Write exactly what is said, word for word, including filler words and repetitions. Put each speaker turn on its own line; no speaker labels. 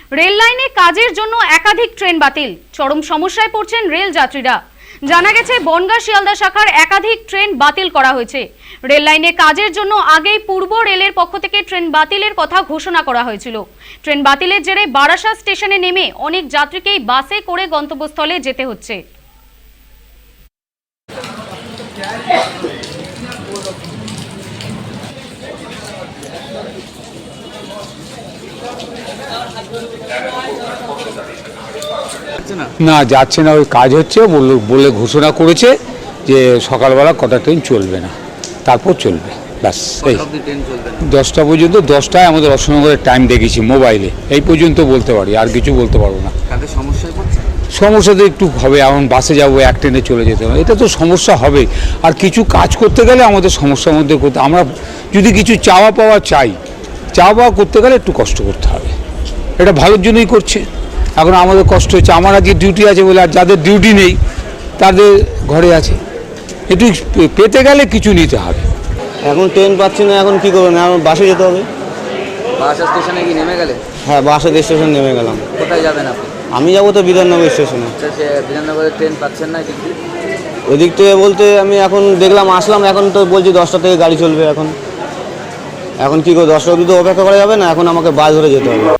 Rail লাইনে কাজের জন্য একাধিক ট্রেন বাতিল, চরম সমস্যায় পড়ছেন রেল যাত্রীরা। জানা গেছে বনগাঁ শিয়ালদা শাখার একাধিক ট্রেন বাতিল করা হয়েছে। রেল লাইনে কাজের জন্য আগেই পূর্ব রেলের পক্ষ থেকে ট্রেন বাতিলের কথা ঘোষণা করা হয়েছিল। ট্রেন বাতিলের জেরে বারাসাত স্টেশনে নেমে অনেক যাত্রীকেই বাসে করে গন্তব্যস্থলে যেতে হচ্ছে।
না যাচ্ছে না, ওই কাজ হচ্ছে বলে বলে ঘোষণা করেছে যে সকালবেলা কটা ট্রেন চলবে না, তারপর চলবে, ব্যাস। এই দশটা পর্যন্ত, দশটায় আমাদের অশোকনগরের টাইম দেখেছি মোবাইলে, এই পর্যন্ত বলতে পারি, আর কিছু বলতে পারবো না। সমস্যা তো একটু হবে, এখন বাসে যাবো, এক ট্রেনে চলে যেতে হবে, এটা তো সমস্যা হবে। আর কিছু কাজ করতে গেলে আমাদের সমস্যার মধ্যে করতে, আমরা যদি কিছু চাওয়া পাওয়া চাই, চাওয়া পাওয়া করতে গেলে একটু কষ্ট করতে হবে। এটা ভালোর জন্যই করছে। এখন আমাদের কষ্ট হচ্ছে, আমার আজকে ডিউটি আছে বলে, আর যাদের ডিউটি নেই তাদের ঘরে আছে, একটু পেতে গেলে কিছু নিতে হবে।
এখন ট্রেন পাচ্ছি না, এখন কী করবেন? এখন বাসে যেতে হবে।
বারাসাত স্টেশনে কি নেমে গেলে?
হ্যাঁ, বাসের স্টেশন নেমে গেলাম।
কোথায় যাবেন আপনি?
আমি যাবো তো বিধাননগর স্টেশনে।
সে বিধাননগরের ট্রেন পাচ্ছেন না এদিক দিয়ে?
ওদিক থেকে বলতে আমি এখন দেখলাম, আসলাম, এখন তো বলছি দশটা থেকে গাড়ি চলবে। এখন এখন কী করে, দশটা অবধি তো অপেক্ষা করা যাবে না, এখন আমাকে বাস ধরে যেতে হবে।